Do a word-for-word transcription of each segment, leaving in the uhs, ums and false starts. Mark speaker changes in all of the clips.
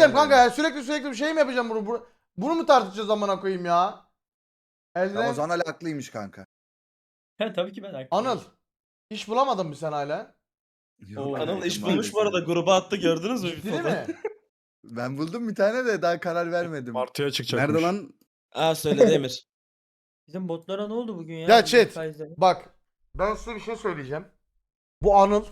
Speaker 1: diyeceğim kanka
Speaker 2: öyle.
Speaker 1: ya, sürekli sürekli bir şey mi yapacağım bunu? Bunu, bunu mu tartışacağız amına koyayım ya? Elden...
Speaker 2: Ramazan Ali haklıymış kanka.
Speaker 3: He tabii ki ben haklıyım.
Speaker 1: Anıl, iş bulamadın mı sen hala?
Speaker 2: Yok
Speaker 3: Oo.
Speaker 2: kanka,
Speaker 4: Anıl iş
Speaker 2: maalesef.
Speaker 4: bulmuş bu arada, gruba attı, gördünüz mü bir
Speaker 1: Ciddi
Speaker 4: foto?
Speaker 1: mi?
Speaker 2: Ben buldum bir tane de daha karar vermedim.
Speaker 5: Martıya çıkacakmış.
Speaker 6: Nerede lan?
Speaker 4: Aa söyledi Emir.
Speaker 3: Bizim botlara ne oldu bugün ya?
Speaker 1: Ya
Speaker 3: Bu
Speaker 1: chat,
Speaker 3: faizleri.
Speaker 1: bak ben size bir şey söyleyeceğim. Bu Anıl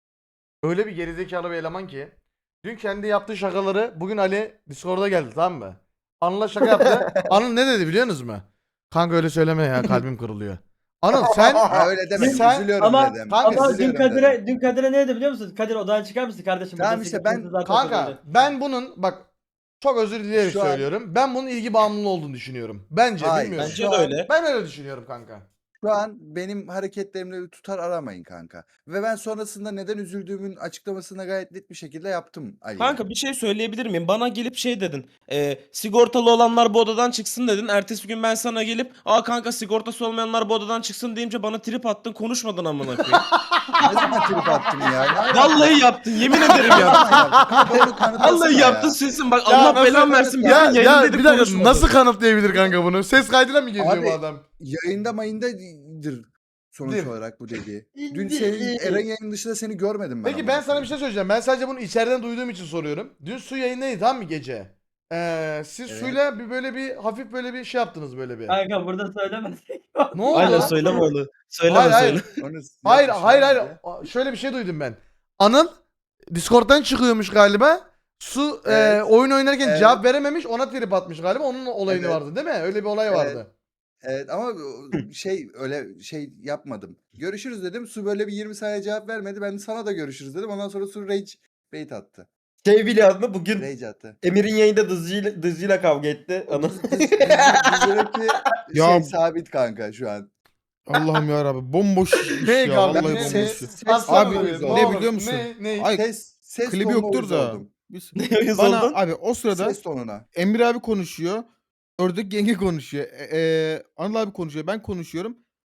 Speaker 1: öyle bir gerizekalı bir eleman ki dün kendi yaptığı şakaları bugün Ali Discord'a geldi, tamam mı? Anıl'a şaka yaptı. Anıl ne dedi biliyor musunuz mu? Kanka öyle söyleme ya, kalbim kırılıyor. Anıl sen
Speaker 2: Ha, öyle demek
Speaker 1: Sen-
Speaker 2: üzülüyorum
Speaker 3: ama-
Speaker 2: dedim.
Speaker 1: Kanka,
Speaker 3: Ama dün
Speaker 2: üzülüyorum
Speaker 3: Kadir'e,
Speaker 2: dedim.
Speaker 3: dün Kadir'e ne dedi biliyor musun? Kadir odadan çıkar mısın kardeşim?
Speaker 2: Tamam
Speaker 3: Burada
Speaker 2: işte
Speaker 3: sıkıntı
Speaker 2: ben-
Speaker 3: zaten
Speaker 1: kanka
Speaker 3: söyledi.
Speaker 1: ben bunun bak çok özür dileyerek
Speaker 2: Şu an-
Speaker 1: söylüyorum. Ben bunun ilgi bağımlılığı olduğunu düşünüyorum. Bence
Speaker 2: Hayır,
Speaker 1: bilmiyorum.
Speaker 4: Bence
Speaker 2: Şu
Speaker 4: de
Speaker 2: an-
Speaker 4: öyle.
Speaker 1: Ben öyle düşünüyorum kanka.
Speaker 2: Şu an benim hareketlerimle bir tutar aramayın kanka. Ve ben sonrasında neden üzüldüğümün açıklamasını gayet net bir şekilde yaptım Ali.
Speaker 4: Kanka bir şey söyleyebilir miyim? Bana gelip şey dedin. E, sigortalı olanlar bu odadan çıksın dedin. Ertesi gün ben sana gelip aa kanka sigortası olmayanlar bu odadan çıksın deyince bana trip attın, konuşmadın amına koyayım.
Speaker 2: Ne zaman trip attım ya? Ne alaka?
Speaker 4: Vallahi yaptın, yemin ederim
Speaker 2: Ne
Speaker 4: yaptın.
Speaker 2: zaman yaptım? Kanka onu kanıtlasana
Speaker 4: Vallahi
Speaker 2: ya.
Speaker 4: yaptın sesin bak,
Speaker 1: Ya
Speaker 4: Allah
Speaker 1: nasıl-
Speaker 4: belanı versin.
Speaker 1: Ya,
Speaker 4: Ya,
Speaker 1: ya
Speaker 4: dedik,
Speaker 1: bir dakika
Speaker 4: konuşmadın.
Speaker 1: nasıl kanıtlayabilir kanka bunu? Ses kaydıyla mı geziyor
Speaker 2: Abi,
Speaker 1: bu adam?
Speaker 2: Yayında mayındadır sonuç
Speaker 1: Dir.
Speaker 2: olarak bu dediği. Dün senin Eren yayının dışında seni görmedim ben.
Speaker 1: Peki
Speaker 2: amına
Speaker 1: ben sana bir
Speaker 2: koyayım.
Speaker 1: şey söyleyeceğim. Ben sadece bunu içeriden duyduğum için soruyorum. Dün su yayındaydı tamam mı gece? Ee, siz
Speaker 2: Evet.
Speaker 1: suyla bir böyle bir hafif böyle bir şey yaptınız böyle bir.
Speaker 3: Kanka burada söylemezsek.
Speaker 1: Ne oldu?
Speaker 4: Aynen
Speaker 1: lan?
Speaker 4: söyleme onu. Söyleme
Speaker 1: Hayır, hayır.
Speaker 4: söyle.
Speaker 2: Onu
Speaker 1: Hayır
Speaker 2: yapmış
Speaker 1: hayır
Speaker 2: ya
Speaker 1: hayır.
Speaker 2: bence.
Speaker 1: A- Şöyle bir şey duydum ben. Anıl Discord'dan çıkıyormuş galiba. Su e,
Speaker 2: Evet.
Speaker 1: oyun oynarken
Speaker 2: Evet.
Speaker 1: cevap verememiş, ona trip atmış galiba. Onun olayını
Speaker 2: Evet.
Speaker 1: vardı değil mi? Öyle bir olay
Speaker 2: Evet.
Speaker 1: vardı.
Speaker 2: Evet ama o- şey öyle şey yapmadım. Görüşürüz dedim. Su böyle bir yirmi saniye cevap vermedi. Ben de sana da görüşürüz dedim. Ondan sonra Su rage bait attı.
Speaker 4: Şey biliyor musun? Bugün
Speaker 2: Rage attı.
Speaker 4: Emir'in yayında Dızcı'yla, Dızcı'yla kavga etti.
Speaker 2: O
Speaker 4: Ana.
Speaker 2: Dız- Dız- Dız- Dızcı'daki
Speaker 6: Ya-
Speaker 2: şey sabit kanka şu an.
Speaker 6: Allah'ım ya Rabbi bomboş iş
Speaker 1: Ne
Speaker 6: ya
Speaker 1: kanka?
Speaker 6: vallahi
Speaker 1: Ne,
Speaker 6: bomboş
Speaker 1: ne,
Speaker 6: iş.
Speaker 2: Ses-
Speaker 1: Aslan
Speaker 6: Abi,
Speaker 1: oluyor,
Speaker 6: ne
Speaker 1: olur.
Speaker 6: biliyor musun?
Speaker 1: Ne, ne?
Speaker 6: Ay,
Speaker 2: Ses, ses
Speaker 6: klibi
Speaker 2: tonuna
Speaker 6: yoktur
Speaker 2: uyuz
Speaker 6: da.
Speaker 2: oldum.
Speaker 6: Biz,
Speaker 4: Ne yüz
Speaker 6: bana
Speaker 4: oldun?
Speaker 6: abi o sırada
Speaker 2: Ses tonuna.
Speaker 6: Emir abi konuşuyor. Ördek yenge konuşuyor. E, e, Anıl abi konuşuyor. Ben konuşuyorum.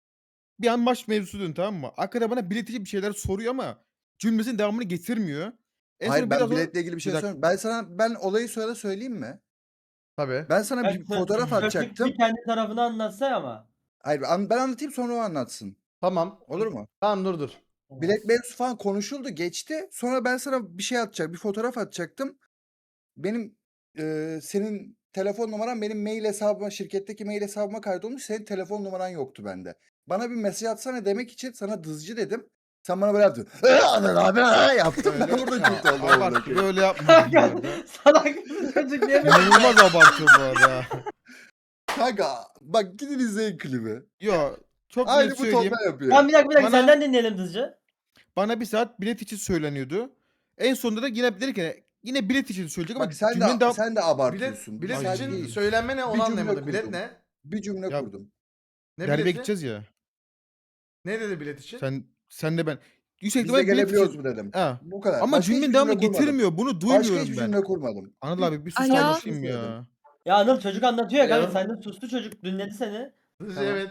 Speaker 6: Bir an maç mevzusu dön tamam mı? Arkada bana biletici bir şeyler soruyor ama cümlesinin devamını getirmiyor. En
Speaker 2: Hayır
Speaker 6: son
Speaker 2: ben
Speaker 6: biraz o-
Speaker 2: biletle ilgili bir şey
Speaker 6: Bir dakika.
Speaker 2: söyleyeyim. Ben sana ben olayı söyle söyleyeyim mi?
Speaker 1: Tabii.
Speaker 2: Ben sana
Speaker 3: Ben
Speaker 2: bir fotoğraf
Speaker 3: Rakip
Speaker 2: atacaktım.
Speaker 3: bir kendi tarafını anlatsa ama.
Speaker 2: Hayır an- ben anlatayım sonra o anlatsın.
Speaker 1: Tamam.
Speaker 2: Olur mu?
Speaker 1: Tamam dur dur.
Speaker 2: Bilet mevzusu falan konuşuldu geçti. Sonra ben sana bir şey atacak, bir fotoğraf atacaktım. Benim e, senin telefon numaran benim mail hesabıma, şirketteki mail hesabıma kaydolmuş. Senin telefon numaran yoktu bende. Bana bir mesaj atsana demek için sana dızcı dedim. Sen bana böyle yaptın. Abi yaptım. Ben orada kötü oldum.
Speaker 6: Abart,
Speaker 2: orada.
Speaker 6: böyle yapmadım bu arada.
Speaker 3: Salak bir çocuk niye böyle?
Speaker 6: İnanılmaz abartıyor bu arada.
Speaker 2: Kanka bak gidin izleyin klibi.
Speaker 6: Yo çok
Speaker 2: Aynı
Speaker 6: net
Speaker 2: bu
Speaker 6: söyleyeyim.
Speaker 2: tonda yapıyor.
Speaker 3: Tamam bir dakika bir dakika
Speaker 6: Bana-
Speaker 3: senden dinleyelim Dızcı.
Speaker 6: Bana bir saat bilet için söyleniyordu. En sonunda da yine dedi ki yine bilet için söyleyecek ama
Speaker 2: Bak sen
Speaker 6: cümlenin
Speaker 2: de
Speaker 6: devam-
Speaker 2: sen de
Speaker 1: Bilet,
Speaker 2: abartıyorsun.
Speaker 1: bilet
Speaker 2: Sen
Speaker 1: için
Speaker 2: değil.
Speaker 1: söylenme ne onu
Speaker 2: Bir cümle
Speaker 1: anlayamadım. Bilet
Speaker 2: kurdum.
Speaker 1: ne?
Speaker 2: Bir cümle
Speaker 6: Ya-
Speaker 2: kurdum.
Speaker 1: Ne
Speaker 6: Derbe
Speaker 1: bileti?
Speaker 6: gideceğiz ya.
Speaker 1: Ne dedi bilet için?
Speaker 6: Sen sen de ben. Yüksek
Speaker 2: Biz de
Speaker 6: ihtimalle bilet
Speaker 2: gelebiliyoruz
Speaker 6: için.
Speaker 2: mu dedim.
Speaker 6: Ha.
Speaker 2: Bu kadar.
Speaker 6: Ama
Speaker 2: Başka
Speaker 6: cümlenin
Speaker 2: hiçbir
Speaker 6: devamını
Speaker 2: cümle kurmadım.
Speaker 6: getirmiyor. Bunu
Speaker 2: Başka
Speaker 6: duymuyorum
Speaker 2: hiçbir
Speaker 6: ben.
Speaker 2: cümle kurmadım.
Speaker 6: Anıl abi bir sus
Speaker 7: Alo.
Speaker 6: kardeşim ya.
Speaker 3: Ya Anıl çocuk anlatıyor ya kanka
Speaker 4: Ya.
Speaker 3: senden sustu çocuk dinledi seni.
Speaker 1: Hızlı
Speaker 2: Tamam.
Speaker 1: evet.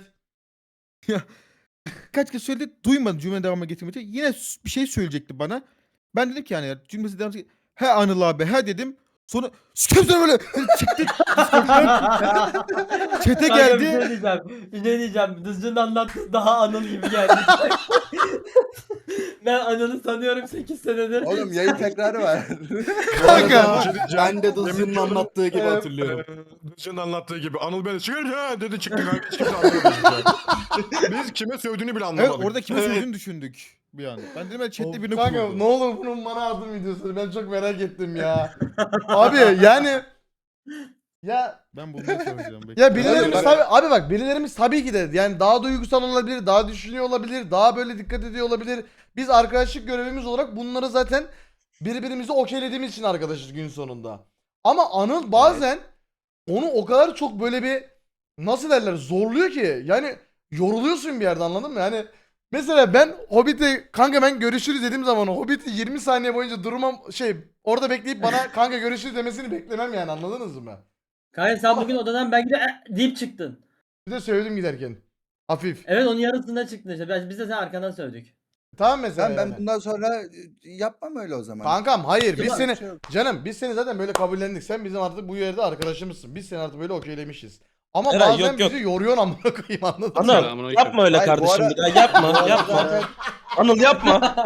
Speaker 6: Kaç kez söyledi duymadı cümle devamını getirmedi. Yine s- bir şey söyleyecekti bana. Ben dedim ki yani ya, cümlesi devamı he Anıl abi he dedim. Sonra sikeyim seni böyle çıktı. Çete
Speaker 3: Kanka bir
Speaker 6: geldi.
Speaker 3: şey diyeceğim. Bir şey diyeceğim. Dızcı'nın anlattığı daha Anıl gibi geldi. Ben Anıl'ı tanıyorum sekiz senedir.
Speaker 2: Oğlum yayın tekrarı var.
Speaker 1: Kanka.
Speaker 5: Ben
Speaker 7: de Dızcı'nın anlattığı gibi hatırlıyorum.
Speaker 5: Dızcı'nın anlattığı gibi. Anıl beni çıkar ya dedi çıktı kanka. Hiç kimse anlamadı. hiçbir şey. Biz kime sövdüğünü bile
Speaker 6: Evet
Speaker 5: anlamadık.
Speaker 6: orada kime sözünü düşündük bir an. Ben dedim ben chatte birini
Speaker 1: Kanka
Speaker 6: kuruldu.
Speaker 1: ne olur bunun bana adım videosunu ben çok merak ettim ya. Abi yani ya
Speaker 6: Ben bulmaya çalışacağım. bekle.
Speaker 1: ya birilerimiz
Speaker 2: bak-
Speaker 1: tabii abi bak birilerimiz tabii ki de yani daha duygusal olabilir, daha düşünüyor olabilir, daha böyle dikkat ediyor olabilir. Biz arkadaşlık görevimiz olarak bunları zaten birbirimizi okeylediğimiz için arkadaşız gün sonunda. Ama Anıl bazen onu o kadar çok böyle bir nasıl derler zorluyor ki yani yoruluyorsun bir yerde anladın mı? Yani mesela ben Hobbit'e kanka ben görüşürüz dediğim zaman Hobbit'i yirmi saniye boyunca durmam şey orada bekleyip bana kanka görüşürüz demesini beklemem yani anladınız mı?
Speaker 3: Kanka sen bugün odadan belki de "Eh" deyip çıktın.
Speaker 1: Bir de söyledim giderken. Hafif.
Speaker 3: Evet onun yarısında çıktın işte. Biz biz de sen arkandan sövdük.
Speaker 1: Tamam mesela
Speaker 2: Ben, ben
Speaker 1: yani.
Speaker 2: bundan sonra e, yapmam öyle o zaman.
Speaker 1: Kankam hayır biz
Speaker 2: Yapacak
Speaker 1: seni
Speaker 2: bir şey yok.
Speaker 1: canım biz seni zaten böyle kabullendik. Sen bizim artık bu yerde arkadaşımızsın. Biz seni artık böyle okeylemişiz. Ama
Speaker 4: Eray,
Speaker 1: bazen
Speaker 4: yok, yok.
Speaker 1: bizi yoruyorsun amına koyayım anladın mı?
Speaker 4: Anıl yapma öyle
Speaker 2: Hayır, bu
Speaker 4: kardeşim
Speaker 2: ara-
Speaker 4: bir daha yapma
Speaker 2: Bu arada
Speaker 4: yapma.
Speaker 2: zaten
Speaker 4: Anıl yapma.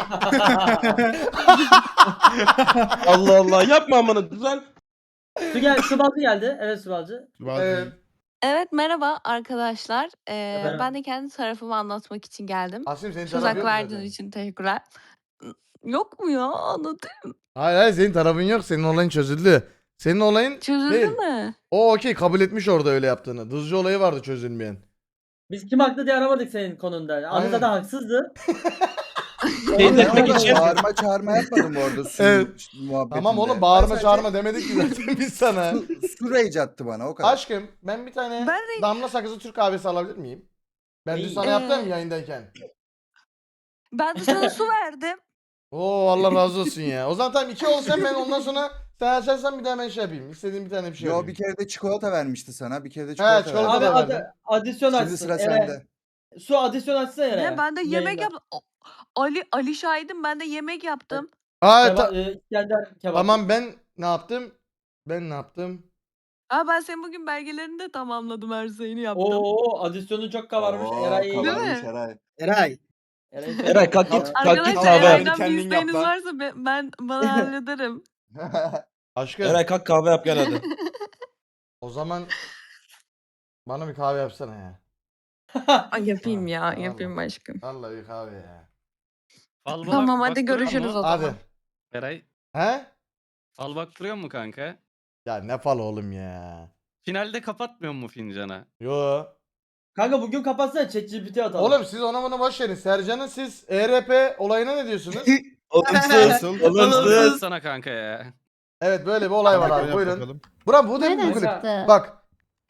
Speaker 4: Allah Allah yapma amına düzel.
Speaker 3: Su gel, su balcı geldi. Evet su balcı.
Speaker 1: Evet.
Speaker 8: Evet merhaba arkadaşlar. Ee,
Speaker 3: Efendim?
Speaker 8: ben de kendi tarafımı anlatmak için geldim.
Speaker 1: Asim senin
Speaker 8: Söz
Speaker 1: tarafın
Speaker 8: hakkı
Speaker 1: yok mu
Speaker 8: verdiğiniz
Speaker 1: zaten?
Speaker 8: için teşekkürler. Yok mu ya? Anlatayım.
Speaker 1: Hayır hayır senin tarafın yok. Senin olayın çözüldü. Senin olayın
Speaker 8: Çözüldü
Speaker 1: değil.
Speaker 8: mü?
Speaker 1: O okey kabul etmiş orada öyle yaptığını. Dızcı olayı vardı çözülmeyen.
Speaker 3: Biz kim haklı diye aramadık senin konunda.
Speaker 1: Aynen.
Speaker 3: Anıl zaten haksızdı.
Speaker 4: Şey
Speaker 2: Ben
Speaker 4: etmek
Speaker 2: orada
Speaker 4: için-
Speaker 2: bağırma çağırma yapmadım bu arada su
Speaker 1: Evet.
Speaker 2: muhabbetinde.
Speaker 1: Tamam oğlum
Speaker 2: Ben
Speaker 1: bağırma
Speaker 2: sadece
Speaker 1: çağırma demedik ki zaten biz sana.
Speaker 2: Su, su rage attı bana o kadar.
Speaker 1: Aşkım ben bir tane
Speaker 8: Ben de-
Speaker 1: damla sakızı Türk kahvesi alabilir miyim? Ben dün
Speaker 3: İyi.
Speaker 1: sana
Speaker 8: Ee,
Speaker 1: yaptım ya yayındayken.
Speaker 8: Ben de sana su verdim.
Speaker 1: Oo Allah razı olsun ya. O zaman tamam iki olsan ben ondan sonra sen açarsan bir daha ben şey yapayım. İstediğim bir tane bir şey
Speaker 2: Yo
Speaker 1: yapayım.
Speaker 2: bir kere de çikolata vermişti sana. Bir kere de çikolata,
Speaker 1: çikolata
Speaker 3: Abi
Speaker 1: da
Speaker 2: verdi.
Speaker 3: ad-
Speaker 1: verdim.
Speaker 3: adisyon açsın.
Speaker 2: Şimdi sıra
Speaker 3: Ere.
Speaker 2: sende.
Speaker 3: Su adisyon açsın Ere.
Speaker 8: Ne ben de yemek
Speaker 3: Yayında.
Speaker 8: yaptım. O- Ali Ali şahidim ben de yemek yaptım.
Speaker 1: Aa,
Speaker 3: Keba-
Speaker 1: ta-
Speaker 3: e, İskender kebap.
Speaker 1: tamam ben ne yaptım? Ben ne yaptım?
Speaker 8: Aa, ben senin bugün belgelerini de tamamladım her şeyini yaptım.
Speaker 3: Oo adisyonu çok kabarmış.
Speaker 2: Oo,
Speaker 3: Eray iyi.
Speaker 2: kabarmış
Speaker 8: mi?
Speaker 2: Eray.
Speaker 7: Eray.
Speaker 3: Eray,
Speaker 4: Eray kalk git kalk git
Speaker 8: Arkadaşlar
Speaker 4: kahve yap.
Speaker 8: Eray'dan bir
Speaker 7: Kendin yap
Speaker 8: isteğiniz
Speaker 7: lan.
Speaker 8: varsa ben, ben bana hallederim.
Speaker 1: Aşkım
Speaker 4: Eray kalk kahve yap gel hadi.
Speaker 1: o zaman bana bir kahve yapsana ya.
Speaker 8: Ay, yapayım ya
Speaker 1: Tamam.
Speaker 8: yapayım aşkım.
Speaker 1: Vallahi bir kahve ya.
Speaker 9: Fal bak-
Speaker 8: Tamam hadi
Speaker 9: baktırıyor
Speaker 8: görüşürüz
Speaker 9: mu?
Speaker 8: o zaman.
Speaker 1: Hadi.
Speaker 9: Eray,
Speaker 1: He?
Speaker 9: fal baktırıyor mu kanka?
Speaker 1: Ya ne fal oğlum ya.
Speaker 9: Finalde kapatmıyor mu fincana?
Speaker 1: Yo.
Speaker 3: Kanka bugün kapatsana ChatGPT atalım.
Speaker 1: Oğlum siz ona bunu boş verin. Sercan'ın siz E R P olayına ne diyorsunuz?
Speaker 4: Olumsuz. Olumsuz.
Speaker 9: Sana kanka ya.
Speaker 1: Evet böyle bir olay var abi.
Speaker 6: Yap
Speaker 1: Buyurun.
Speaker 6: bakalım.
Speaker 1: Bura bu değil mi
Speaker 3: Nereden
Speaker 1: bu klip?
Speaker 3: çıktı?
Speaker 1: Bak.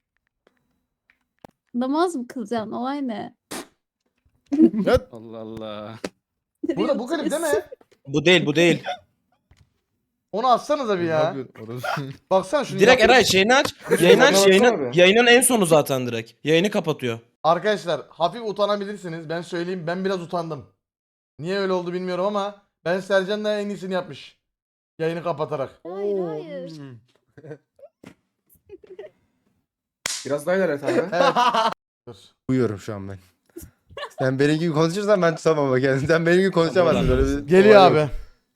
Speaker 10: Namaz mı kılacaksın? Olay ne?
Speaker 9: Allah Allah.
Speaker 1: Burada bu klip değil mi?
Speaker 4: Bu değil bu değil.
Speaker 1: Onu atsanıza bir
Speaker 6: Ne
Speaker 1: ya.
Speaker 6: yapıyorsun? Orası-
Speaker 1: Baksana şunu.
Speaker 4: Direkt
Speaker 1: yap-
Speaker 4: Eray şeyini aç. Yayını aç
Speaker 2: Baksana
Speaker 4: yayının,
Speaker 2: bir.
Speaker 4: yayının en sonu zaten direkt. Yayını kapatıyor.
Speaker 1: Arkadaşlar hafif utanabilirsiniz. Ben söyleyeyim ben biraz utandım. Niye öyle oldu bilmiyorum ama ben Sercan da en iyisini yapmış. Yayını kapatarak.
Speaker 10: Hayır hayır.
Speaker 7: Biraz daha ilerlet abi.
Speaker 1: Evet. Dur.
Speaker 11: Uyuyorum şu an ben. Sen benim gibi konuşursan ben tutamam bak yani. Sen benim gibi konuşamazsın. Böyle bir
Speaker 1: Geliyor
Speaker 11: olay yok.
Speaker 1: abi.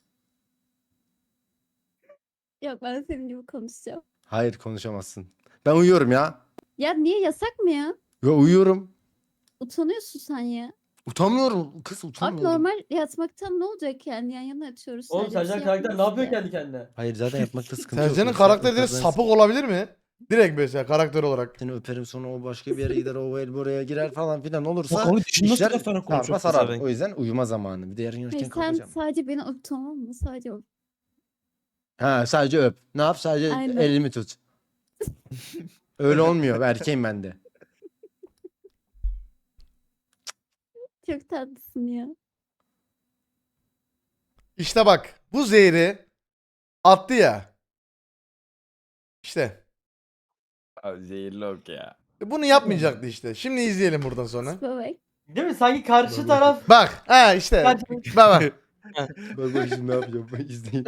Speaker 10: Yok ben senin gibi konuşacağım.
Speaker 11: Hayır konuşamazsın. Ben uyuyorum ya.
Speaker 10: Ya niye yasak mı ya?
Speaker 11: Yo uyuyorum.
Speaker 10: Utanıyorsun sen ya.
Speaker 11: Utanmıyorum. Kız
Speaker 10: Abi
Speaker 11: utanmıyorum.
Speaker 10: normal yatmaktan ne olacak yani yan yana yatıyoruz.
Speaker 3: Oğlum
Speaker 10: sadece bir
Speaker 3: Sercan
Speaker 10: şey
Speaker 3: karakter ne
Speaker 10: yapmıyoruz
Speaker 3: yapıyor
Speaker 10: ki.
Speaker 3: kendi kendine?
Speaker 11: Hayır zaten yapmakta sıkıntı yok.
Speaker 1: Sercan'ın
Speaker 11: Yoksa
Speaker 1: karakteri direkt
Speaker 11: yaparsan
Speaker 1: sapık olabilir mi? Direkt mesela karakter olarak.
Speaker 11: Seni öperim sonra o başka bir yere gider o el buraya girer falan filan olursa
Speaker 4: Bak onu dışında
Speaker 11: işler
Speaker 4: sıra sonra
Speaker 11: sarpa
Speaker 4: konuşuyor.
Speaker 11: sarar.
Speaker 4: pezevenk.
Speaker 11: O yüzden uyuma zamanı. Bir de yarın yürürken
Speaker 10: Hayır, sen
Speaker 11: kalkacağım.
Speaker 10: sadece beni öp tamam mı? Sadece öp.
Speaker 11: Ha sadece öp. Ne yap? Sadece
Speaker 10: Aynen.
Speaker 11: elimi tut. Öyle olmuyor. Erkeğim ben de.
Speaker 10: Çok tatlısın ya.
Speaker 1: İşte bak bu zehri attı ya. İşte.
Speaker 7: Abi zehirli ok ya.
Speaker 1: Bunu yapmayacaktı işte. Şimdi izleyelim buradan sonra.
Speaker 10: Bebek.
Speaker 3: Değil mi? Sanki karşı taraf
Speaker 1: Bak. Ha işte.
Speaker 3: Karşı-
Speaker 1: Bak bak.
Speaker 11: Bak bak şimdi ne yapacağım. Bak izleyin.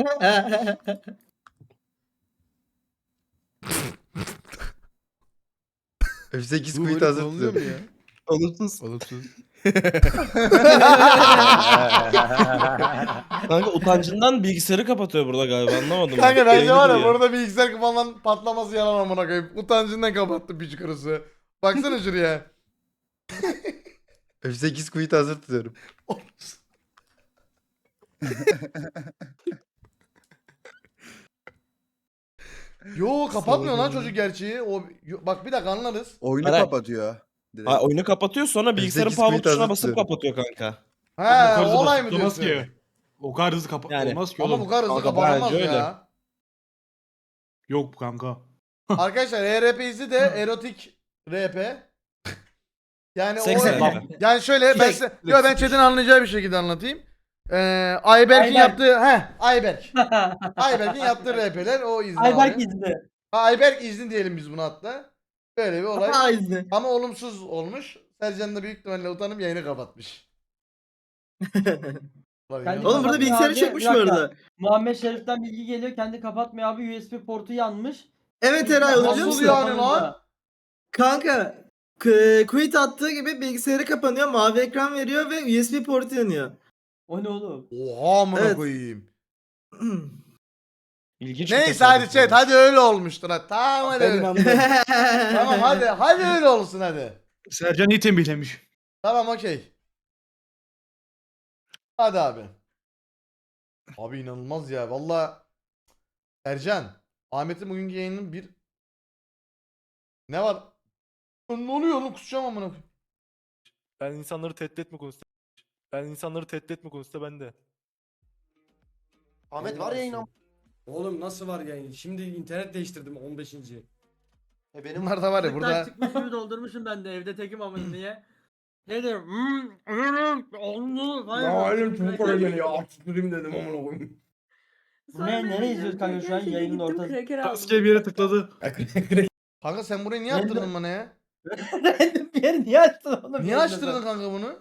Speaker 11: F sekiz
Speaker 6: Bu
Speaker 11: kuyut
Speaker 6: böyle
Speaker 11: hazır
Speaker 6: kullanılıyor mu
Speaker 11: tutuyorum.
Speaker 6: ya?
Speaker 4: Olumsuz.
Speaker 6: Olumsuz.
Speaker 4: Kanka utancından bilgisayarı kapatıyor burada galiba anlamadım.
Speaker 1: Kanka bence
Speaker 4: Yayını
Speaker 1: var ya
Speaker 4: duruyor.
Speaker 1: burada bilgisayar falan patlaması yalan amına koyayım. Utancından kapattı piç kurusu. Baksana şuraya.
Speaker 11: F sekiz kuyut hazır tutuyorum.
Speaker 1: Yo kapatmıyor lan
Speaker 6: Salak
Speaker 1: çocuk gerçeği. O yo- bak bir dakika anlarız.
Speaker 2: Oyunu
Speaker 4: Eray.
Speaker 2: kapatıyor. Direkt.
Speaker 4: Ha, oyunu kapatıyor sonra bilgisayarın
Speaker 11: sekiz
Speaker 4: power
Speaker 11: kuyut
Speaker 4: tuşuna
Speaker 11: hazır
Speaker 4: basıp
Speaker 11: tutuyorum.
Speaker 4: kapatıyor kanka.
Speaker 1: He
Speaker 5: O kadar
Speaker 1: o olay mı
Speaker 5: basit olmaz
Speaker 1: diyorsun?
Speaker 5: ki. O kadar hızlı kapa
Speaker 4: Yani.
Speaker 5: olmaz ki
Speaker 1: Ama
Speaker 5: oğlum.
Speaker 1: bu kadar hızlı
Speaker 4: Kanka,
Speaker 1: kapatamaz
Speaker 4: bence öyle.
Speaker 1: ya.
Speaker 5: Yok kanka.
Speaker 1: Arkadaşlar E R P izi de erotik R P. Yani
Speaker 4: Seks
Speaker 1: o
Speaker 4: R P.
Speaker 1: yani şöyle ben size, yo ben chat'in anlayacağı bir şekilde anlatayım. Ee, Ayberk'in
Speaker 3: Ayberk.
Speaker 1: yaptığı he Ayberk. Ayberk'in yaptığı R P'ler o izni
Speaker 3: Ayberk
Speaker 1: abi.
Speaker 3: izni.
Speaker 1: Ha, Ayberk izni diyelim biz buna hatta. Böyle bir olay.
Speaker 3: Ha izni.
Speaker 1: Ama olumsuz olmuş. Sercan da büyük ihtimalle utanıp yayını kapatmış.
Speaker 3: Kendi
Speaker 12: Oğlum burada
Speaker 3: kapatmıyor
Speaker 12: bilgisayarı
Speaker 3: abi.
Speaker 12: çökmüş
Speaker 3: Bir
Speaker 12: bu
Speaker 3: dakika.
Speaker 12: arada.
Speaker 3: Muhammed Şerif'ten bilgi geliyor. Kendi kapatmıyor abi. U S B portu yanmış.
Speaker 12: Evet Eray onu biliyor
Speaker 1: Nasıl
Speaker 12: musun?
Speaker 1: yani lan?
Speaker 12: Kanka k- quit attığı gibi bilgisayarı kapanıyor, mavi ekran veriyor ve U S B portu yanıyor.
Speaker 3: O ne oğlum?
Speaker 1: Oha amına
Speaker 12: Evet.
Speaker 1: koyayım.
Speaker 4: İlginç bir
Speaker 1: Neyse hadi
Speaker 4: tesadüf
Speaker 1: chat
Speaker 4: olmuş.
Speaker 1: hadi öyle olmuştur ha. Tamam hadi.
Speaker 2: Ben
Speaker 1: öyle.
Speaker 2: inandım.
Speaker 1: Tamam hadi hadi öyle olsun hadi.
Speaker 6: Sercan iyi tembihlemiş.
Speaker 1: Tamam okey. Hadi abi. Abi inanılmaz ya valla. Ercan. Ahmet'in bugünkü yayının bir... Ne var? Ne oluyor oğlum kusacağım amına koyayım.
Speaker 5: Ben insanları tehdit etme konusunda. Ben insanları tehdit etme konusunda ben de.
Speaker 11: Ahmet var ya inan.
Speaker 3: Oğlum nasıl var yayın? Şimdi internet değiştirdim on beşinci
Speaker 11: E benim
Speaker 1: Bunlar da var ya burada.
Speaker 3: Burada çıkmış gibi doldurmuşum ben de evde tekim amına diye. Ne diyorum? Hmm, hmm, onu, hayır.
Speaker 5: Açtırayım dedim amına koyayım.
Speaker 3: Bu ne? Nereye izliyoruz kanka şu an yayının ortası?
Speaker 5: Taskiye bir yere tıkladı.
Speaker 1: Kanka sen burayı niye yaptırdın bana ya?
Speaker 3: Random bir yer niye açtın oğlum?
Speaker 1: Niye açtırdın kanka bunu?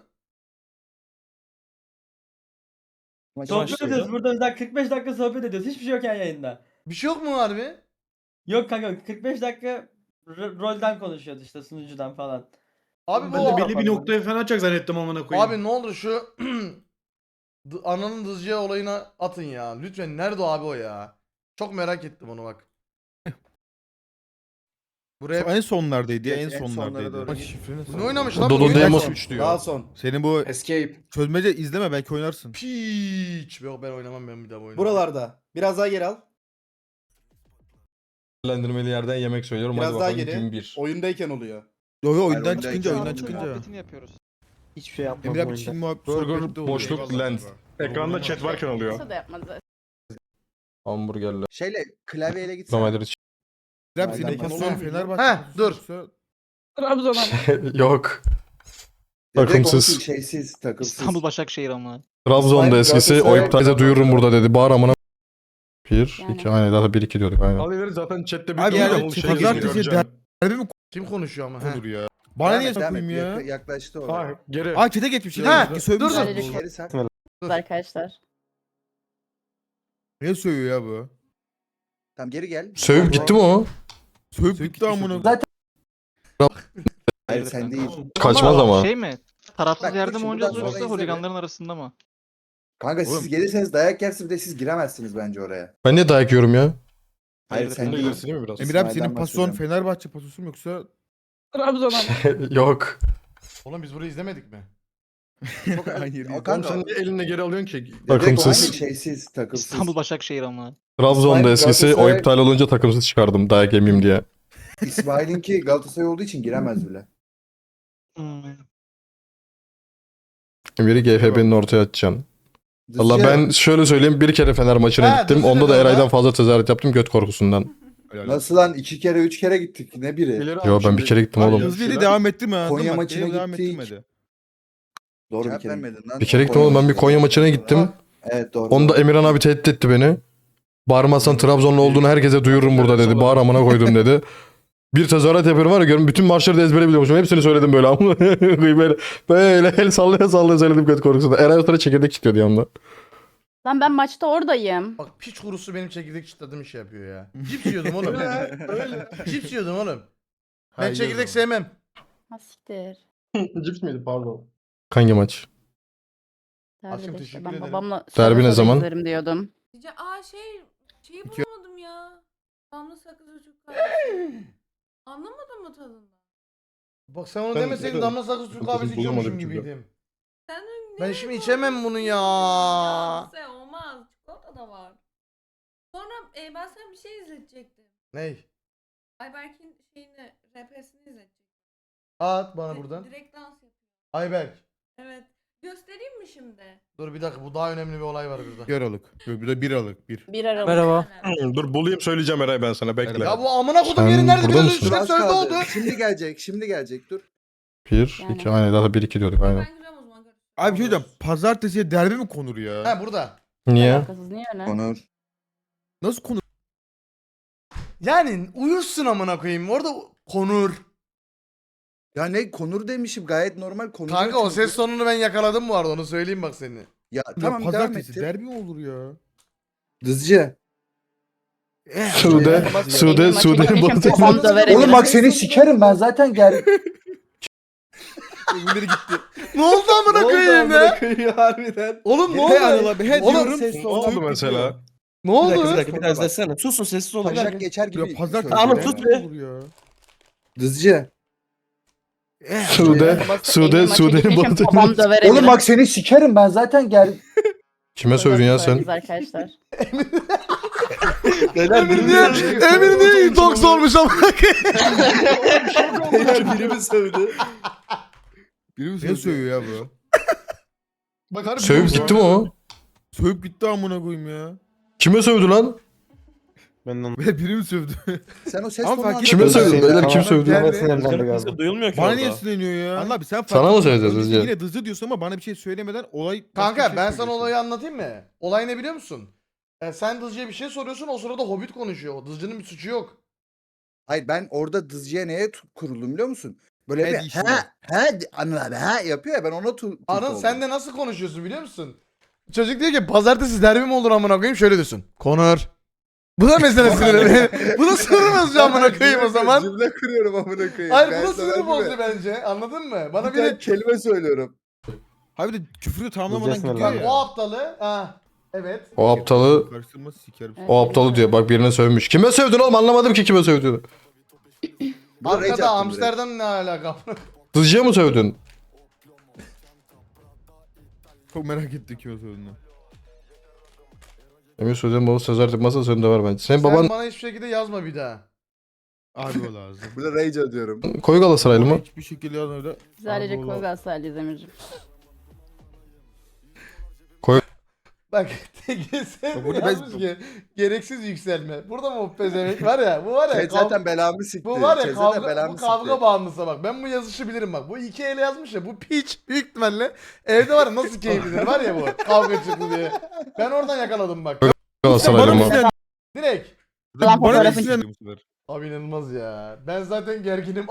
Speaker 3: Sohbet ediyoruz burada bizden kırk beş dakika sohbet ediyoruz. Hiçbir şey yok yani yayında.
Speaker 1: Bir şey yok mu harbi?
Speaker 3: Yok kanka kırk beş dakika r- rolden konuşuyoruz işte sunucudan falan.
Speaker 1: Abi
Speaker 3: Ben
Speaker 1: bu
Speaker 3: de belli bir noktaya
Speaker 6: falan açacak zannettim amına
Speaker 1: Abi ne olur şu D- ananın dızcıya olayına atın ya. Lütfen nerede o abi o ya? Çok merak ettim onu bak. Buraya
Speaker 6: En sonlardaydı ya en
Speaker 2: En sonlara
Speaker 6: sonlardaydı.
Speaker 2: doğru.
Speaker 6: Bak şifreni
Speaker 1: bu ne oynamış lan?
Speaker 7: Dolu
Speaker 1: bu oyun?
Speaker 7: Demos
Speaker 6: üç diyor.
Speaker 2: Daha son.
Speaker 6: Senin bu
Speaker 7: Escape.
Speaker 6: çözmece izleme belki oynarsın.
Speaker 1: Piç. Yok ben oynamam ben bir daha bu oyunu.
Speaker 2: Buralarda. Biraz daha geri al.
Speaker 5: Değerlendirmeli yerden yemek söylüyorum.
Speaker 2: Biraz
Speaker 5: Hadi
Speaker 2: daha
Speaker 5: bakalım
Speaker 2: geri.
Speaker 5: kim bir.
Speaker 2: Oyundayken oluyor.
Speaker 6: Yo yo oyundan
Speaker 2: Hayır,
Speaker 6: çıkınca
Speaker 2: oyundayken
Speaker 6: oyundan çıkınca.
Speaker 9: Muhabbetini yapıyoruz.
Speaker 12: Hiçbir şey yapmadım
Speaker 6: Emre abi Çin muhabbeti
Speaker 5: Burger,
Speaker 6: sohbette oluyor.
Speaker 5: boşluk,
Speaker 6: Eyvallah
Speaker 5: lens.
Speaker 6: kanka.
Speaker 5: Ekranda chat varken oluyor.
Speaker 10: da yapmadı.
Speaker 5: Hamburgerler.
Speaker 2: Şeyle klavyeyle gitsene.
Speaker 5: Domates.
Speaker 6: Rap
Speaker 2: Aynen,
Speaker 6: senin
Speaker 2: ben
Speaker 6: pozisyon
Speaker 2: onu-
Speaker 6: Fenerbahçe
Speaker 1: Heh,
Speaker 6: pozisyonu
Speaker 1: dur.
Speaker 6: yoksa-
Speaker 9: Trabzon'a.
Speaker 5: Yok.
Speaker 2: Direkt
Speaker 5: Takımsız.
Speaker 2: olsun, Şeysiz, takımsız.
Speaker 9: Başakşehir ama.
Speaker 5: Trabzon'da
Speaker 2: İsmail
Speaker 5: eskisi
Speaker 2: Galatasaray-
Speaker 5: o iptalde duyururum burada dedi. Bağır amına. Bir,
Speaker 10: Yani.
Speaker 5: iki, aynen daha bir iki diyorduk aynen. Abi zaten chatte bir
Speaker 6: Abi yani
Speaker 5: şey
Speaker 6: pazartesi
Speaker 5: göreceğim.
Speaker 6: derbi mi
Speaker 1: Kim konuşuyor ama? He.
Speaker 6: konur ya? Bana
Speaker 2: Devam
Speaker 6: niye
Speaker 2: et, devam et.
Speaker 6: sokayım ya?
Speaker 2: Yak- Yaklaştı oraya.
Speaker 5: Ha geri.
Speaker 6: Aa çete geçmiş.
Speaker 1: Ha,
Speaker 6: Ha, sövmüş.
Speaker 1: dur, dur.
Speaker 6: bu.
Speaker 2: Geri sak.
Speaker 10: Arkadaşlar.
Speaker 6: Ne sövüyor ya bu?
Speaker 2: Tamam geri gel.
Speaker 5: Sövüp gitti mi o?
Speaker 6: Sövüp gitti amına.
Speaker 2: Zaten- Hayır sen değil.
Speaker 5: Kaçmaz ama.
Speaker 9: Şey mi? Tarafsız
Speaker 2: Bak, dur
Speaker 9: yerde mi
Speaker 2: şimdi
Speaker 9: oynayacağız
Speaker 2: buradan
Speaker 9: yoksa
Speaker 2: sonra izle
Speaker 9: holiganların arasında mı?
Speaker 2: Kanka siz
Speaker 6: Oğlum.
Speaker 2: gelirseniz dayak yersiniz de siz giremezsiniz bence oraya.
Speaker 5: Ben niye dayak yiyorum ya?
Speaker 2: Hayır
Speaker 9: Hayır,
Speaker 2: sen
Speaker 5: Sen de
Speaker 2: değil.
Speaker 5: ilerisi değil mi biraz?
Speaker 6: Emir abi
Speaker 2: İsmail'den
Speaker 6: senin pozisyon
Speaker 2: bahsediyorum.
Speaker 6: Fenerbahçe pozisyonu mu yoksa
Speaker 9: Trabzon'a.
Speaker 5: Yok.
Speaker 1: Oğlum biz burayı izlemedik mi?
Speaker 2: Çok
Speaker 6: Hayır,
Speaker 2: O
Speaker 5: Oğlum
Speaker 2: kanka.
Speaker 5: sen niye elinle geri alıyorsun ki?
Speaker 2: Direkt
Speaker 5: Takımsız.
Speaker 2: aynı şeysiz, takımsız.
Speaker 9: İstanbul Başakşehir ama.
Speaker 5: Trabzon'da
Speaker 2: İsmail
Speaker 5: eskisi o
Speaker 2: Galatasaray-
Speaker 5: iptal olunca takımsız çıkardım dayak yemeyeyim diye.
Speaker 2: İsmail'inki Galatasaray olduğu için giremez bile.
Speaker 9: Hmm.
Speaker 5: Emir'i G F B'nin ortaya atacaksın. Valla
Speaker 2: Dızcı,
Speaker 5: ben şöyle söyleyeyim bir kere Fener maçına
Speaker 1: Ha,
Speaker 5: gittim.
Speaker 1: Dızcı
Speaker 5: Onda
Speaker 1: dedi
Speaker 5: da
Speaker 1: orada.
Speaker 5: Eray'dan fazla tezahürat yaptım göt korkusundan.
Speaker 2: nasıl lan iki kere üç kere gittik ne biri?
Speaker 5: Yo ben bir kere gittim oğlum.
Speaker 6: hızlıydı devam ettim ha.
Speaker 2: Konya
Speaker 6: değil mi?
Speaker 2: maçına
Speaker 6: Devam
Speaker 2: gittik.
Speaker 6: ettirmedi.
Speaker 2: Doğru
Speaker 13: Cevap
Speaker 2: bir kere.
Speaker 13: vermedin lan.
Speaker 5: Bir kere gittim oğlum ben bir Konya maçına gittim.
Speaker 2: Evet doğru.
Speaker 5: Onda Emirhan abi tehdit etti beni. Bağırmazsan Trabzonlu olduğunu herkese duyururum burada dedi. Bağır amına koydum dedi. Bir tezahürat yapıyorum var ya görün bütün maçları da ezbere biliyormuşum. Hepsini söyledim böyle ama böyle böyle el sallaya sallaya söyledim göt korkusunda. Eray o sırada çekirdek istiyordu yanımda.
Speaker 10: Lan ben maçta oradayım.
Speaker 1: Bak piç kurusu benim çekirdek çıtladığım şey yapıyor ya. Cips yiyordum oğlum. Cips yiyordum oğlum. Ben
Speaker 6: Hayır
Speaker 1: çekirdek
Speaker 6: oğlum.
Speaker 1: sevmem.
Speaker 10: Ha siktir.
Speaker 5: Cips miydi pardon. Hangi maç?
Speaker 10: Derbi
Speaker 1: Akşam
Speaker 10: de işte,
Speaker 1: teşekkür
Speaker 10: ben
Speaker 1: ederim.
Speaker 10: babamla
Speaker 5: Derbi ne
Speaker 10: sonra
Speaker 5: zaman?
Speaker 10: izlerim diyordum.
Speaker 8: Aa şey şeyi
Speaker 6: İki-
Speaker 8: bulamadım ya. Damla sakız çocuk kahvesi. Anlamadın mı tadını?
Speaker 1: Bak sen onu
Speaker 5: Ben-
Speaker 1: demeseydin
Speaker 5: ben-
Speaker 1: damla sakız Türk
Speaker 5: ben
Speaker 1: kahvesi
Speaker 5: bulamadım
Speaker 1: içiyormuşum
Speaker 5: çünkü.
Speaker 1: gibiydim.
Speaker 8: Sen de
Speaker 1: Ben
Speaker 8: ne
Speaker 1: şimdi
Speaker 8: bu?
Speaker 1: içemem bunu ya.
Speaker 8: Ya sen olmaz. Çikolata da var. Sonra e, ben sana bir şey izletecektim.
Speaker 1: Ney?
Speaker 8: Ayberk'in şeyini, rapesini izletecektim.
Speaker 1: At bana
Speaker 8: Di-
Speaker 1: buradan.
Speaker 8: Direkt dans yapıyor.
Speaker 1: Ayberk.
Speaker 8: Evet. Göstereyim mi şimdi?
Speaker 1: Dur bir dakika bu daha önemli bir olay var burada.
Speaker 6: Bir Aralık. Bir de bir Aralık. Bir.
Speaker 10: Bir ara.
Speaker 8: Merhaba.
Speaker 5: Dur bulayım söyleyeceğim Eray ben sana bekle.
Speaker 1: Ya bu amına kodum
Speaker 5: Sen
Speaker 1: yeri nerede
Speaker 5: burada
Speaker 1: biraz
Speaker 5: mısın?
Speaker 1: önce
Speaker 2: Az
Speaker 1: sözde
Speaker 2: kaldı.
Speaker 1: oldu.
Speaker 2: Şimdi gelecek, şimdi gelecek dur.
Speaker 5: Bir,
Speaker 10: Yani.
Speaker 5: iki, aynen daha bir iki diyorduk aynen.
Speaker 8: Ben gireceğim o zaman. görüşürüz.
Speaker 6: Abi bir şey diyeceğim. Pazartesiye derbi mi konur ya?
Speaker 1: Ha burada.
Speaker 5: Niye?
Speaker 10: Alakasız niye öyle?
Speaker 2: Onur.
Speaker 6: Nasıl konur?
Speaker 1: Yani uyursun amına koyayım. Orada konur.
Speaker 2: Ya ne Konur demişim gayet normal Konur.
Speaker 1: Kanka o ses tonunu ben yakaladım bu arada, onu söyleyeyim bak seni.
Speaker 2: Ya
Speaker 6: Ya
Speaker 2: tamam devam
Speaker 6: pazartesi
Speaker 2: ettir.
Speaker 6: derbi mi olur ya?
Speaker 2: Dızcı.
Speaker 5: Sude, Sude,
Speaker 10: Benim
Speaker 5: Sude.
Speaker 10: maçı
Speaker 5: bu-
Speaker 10: geçmişim, babam döver
Speaker 2: Oğlum
Speaker 10: Emir'i.
Speaker 2: bak seni sikerim ben zaten gel.
Speaker 6: Öbürleri gitti.
Speaker 1: Ne oldu amına koyayım ya?
Speaker 11: harbiden.
Speaker 1: Oğlum ne
Speaker 6: He
Speaker 1: oldu?
Speaker 6: Anıl abi he
Speaker 1: Oğlum,
Speaker 6: diyorum.
Speaker 2: ses
Speaker 5: Ne
Speaker 2: tonu
Speaker 5: oldu
Speaker 2: büyük
Speaker 5: mesela?
Speaker 1: Ne
Speaker 4: Bir dakika bir
Speaker 1: oldu?
Speaker 4: dakika bir daha izlesene. Susun sessiz olun.
Speaker 2: Taşak geçer gibi.
Speaker 6: Ya pazartesi
Speaker 4: Tamam,
Speaker 6: derbi
Speaker 4: sus
Speaker 6: mi
Speaker 4: be.
Speaker 6: olur ya?
Speaker 2: Dızcı.
Speaker 5: Sude, Sude,
Speaker 10: Benim maçı
Speaker 5: Sude'nin
Speaker 10: geçmişim,
Speaker 5: batı.
Speaker 10: babam döver
Speaker 2: Oğlum
Speaker 10: Emir'i.
Speaker 2: bak seni sikerim ben zaten gel.
Speaker 5: Kime sövdün ya sen?
Speaker 10: Biz arkadaşlar.
Speaker 1: Emir niye, Emir niye intox olmuş amına koyayım?
Speaker 11: Biri mi sövdü?
Speaker 6: Biri mi ne sövüyor ya bu?
Speaker 1: Bak harbi
Speaker 5: Sövüp
Speaker 1: bu-
Speaker 5: gitti mi o?
Speaker 6: Sövüp gitti amına koyayım ya.
Speaker 5: Kime sövdü lan?
Speaker 6: Ve biri mi sövdü?
Speaker 2: Sen o ses
Speaker 6: Ama
Speaker 2: tonunu
Speaker 6: fark
Speaker 5: Kime
Speaker 6: etmez.
Speaker 5: sövdü? Beyler kim
Speaker 6: Tamam,
Speaker 5: sövdü?
Speaker 6: geldi.
Speaker 4: Duyulmuyor ki
Speaker 6: Bana
Speaker 4: orada.
Speaker 6: niye sinirleniyor ya? Allah abi sen fark
Speaker 5: Sana mı
Speaker 6: etmedin.
Speaker 5: söyleyeceğiz
Speaker 6: Önceki
Speaker 5: Hızcı?
Speaker 6: Yine dızı diyorsun ama bana bir şey söylemeden olay... başka bir
Speaker 1: Kanka
Speaker 6: şey
Speaker 1: ben sana
Speaker 6: söylüyorsun.
Speaker 1: olayı anlatayım mı? Olay ne biliyor musun? E, sen Dızcı'ya bir şey soruyorsun, o sırada Hobbit konuşuyor. Dızcı'nın bir suçu yok.
Speaker 2: Hayır ben orada Dızcı'ya neye tu- kuruldum biliyor musun? Böyle
Speaker 6: He
Speaker 2: bir
Speaker 6: dişine.
Speaker 2: ha ha di- Anıl abi ha yapıyor ya ben ona tu, tut
Speaker 1: Anıl
Speaker 2: oldum.
Speaker 1: sen de nasıl konuşuyorsun biliyor musun? Çocuk diyor ki pazartesi derbi mi olur amına koyayım, şöyle diyorsun. Konur. Bu da mesela sinir. Bu da sinir bozucu amına koyayım o zaman.
Speaker 2: Cümle kuruyorum amına koyayım.
Speaker 1: Hayır bu
Speaker 2: Gayet
Speaker 1: da sinir
Speaker 2: normal
Speaker 1: bozucu
Speaker 2: gibi.
Speaker 1: bence. Anladın mı? Bana
Speaker 2: Bir tane
Speaker 1: biri
Speaker 2: kelime söylüyorum.
Speaker 6: Abi de küfrü tamamlamadan gidiyor
Speaker 1: bak
Speaker 6: ya.
Speaker 1: o aptalı. Ha. Evet.
Speaker 5: O aptalı,
Speaker 6: Karıştırma sikerim.
Speaker 5: o aptalı diyor. Bak birine sövmüş. Kime sövdün oğlum? Anlamadım ki kime sövdüğünü.
Speaker 2: Bu da rage
Speaker 1: Arkada
Speaker 2: attım direkt.
Speaker 1: Amsterdam ne alaka?
Speaker 5: Dızcıya mı sövdün?
Speaker 6: Çok merak ettik kim o sövdüğünü.
Speaker 5: Emir Sude'nin babası söz artık masa sözünde var bence. Senin
Speaker 1: Sen
Speaker 5: baban
Speaker 1: bana hiçbir şekilde yazma bir daha.
Speaker 6: Abi o lazım.
Speaker 2: Bu da rage atıyorum.
Speaker 5: koyu Galatasaraylı mı?
Speaker 6: Hiçbir şekilde yazma öyle.
Speaker 10: Biz ailece
Speaker 6: Abi o
Speaker 10: koy
Speaker 6: lazım.
Speaker 10: Galatasaraylıyız Emir'cim.
Speaker 1: Bak T G S
Speaker 6: Ya burada ben-
Speaker 1: yazmış ki gereksiz yükselme. Burada mı o pezevenk var ya, bu var ya.
Speaker 2: Chat
Speaker 1: kav-
Speaker 2: zaten belamı sikti.
Speaker 1: Bu var ya
Speaker 2: Chat zaten
Speaker 1: kavga,
Speaker 2: belamı
Speaker 1: bu kavga
Speaker 2: sikti.
Speaker 1: bağımlısı bak. Ben bu yazışı bilirim bak. Bu iki ele yazmış ya, bu piç büyük ihtimalle evde var ya nasıl keyiflidir var ya bu kavga çıktı diye. Ben oradan yakaladım bak.
Speaker 5: Galatasaraylı
Speaker 6: Bana
Speaker 5: mı?
Speaker 6: mı sinirlendin?
Speaker 1: Direkt.
Speaker 10: Ulan
Speaker 6: Bana mı
Speaker 10: fotoğrafı-
Speaker 6: sinirlendin bu sefer?
Speaker 1: Abi inanılmaz ya. Ben zaten gerginim.